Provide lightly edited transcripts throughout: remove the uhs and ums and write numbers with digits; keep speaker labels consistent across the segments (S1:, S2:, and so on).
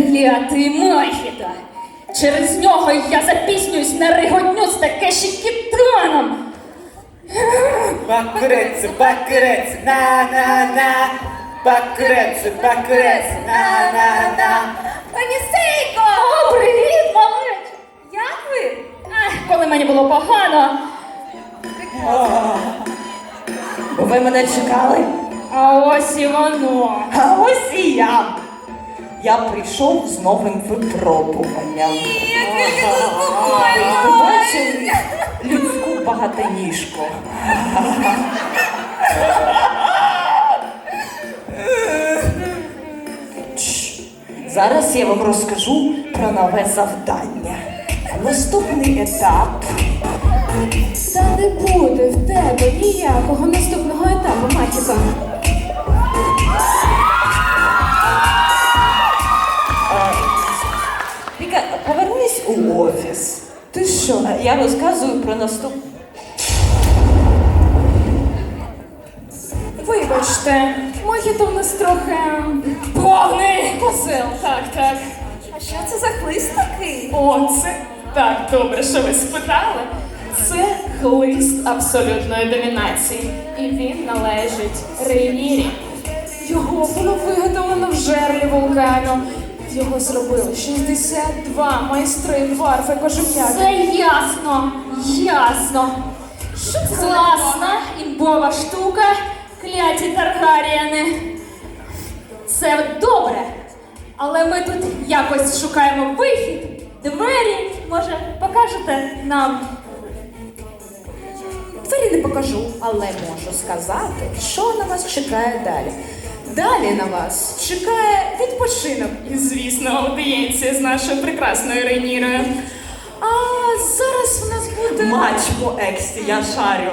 S1: Клятий Махіта! Через нього я запіснююсь на риготню з Такеші-кітаном!
S2: Бакурець, бакурець, на-на-на. Бакурець, бакурець, на-на-на.
S3: Пані Сейко!
S1: О, привіт, малеч!
S3: Як ви?
S1: Коли мені було погано,
S4: Ви мене чекали?
S1: а ось і воно.
S4: А ось і я. Я прийшов з новим випробуванням. Ви бачили людську багатоніжку? Чш. Зараз я вам розкажу про нове завдання. Наступний етап.
S1: Та не буде в тебе ніякого наступного етапу, Махіта.
S4: Віка, повернись у офіс.
S1: Ти що?
S4: Я розказую про наступний.
S1: Вибачте, Мохіто в нас трохи повний козел. Так.
S3: А що це за хлист такий?
S1: О, це так добре, що ви спитали. Це хлист абсолютної домінації. І він належить Рейнірі. Його було виготовлено в жерлі вулкану. Його зробили 62 майстри дварфи кожум'яки. Це ясно. Що це класна, імбова штука, кляті Таргаріани. Це добре, але ми тут якось шукаємо вихід, двері. Може, покажете нам?
S3: Двері не покажу, але можу сказати, що на вас чекає далі. Далі на вас чекає відпочинок.
S1: І, звісно, аудієнція з нашою прекрасною Рейнірою.
S3: А зараз у нас буде...
S4: Матч по ексі, я шарю.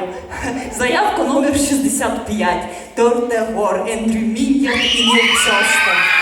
S4: Заявка номер 65. Торнегор, Ендрю Мін'ян і Ніл Чостон.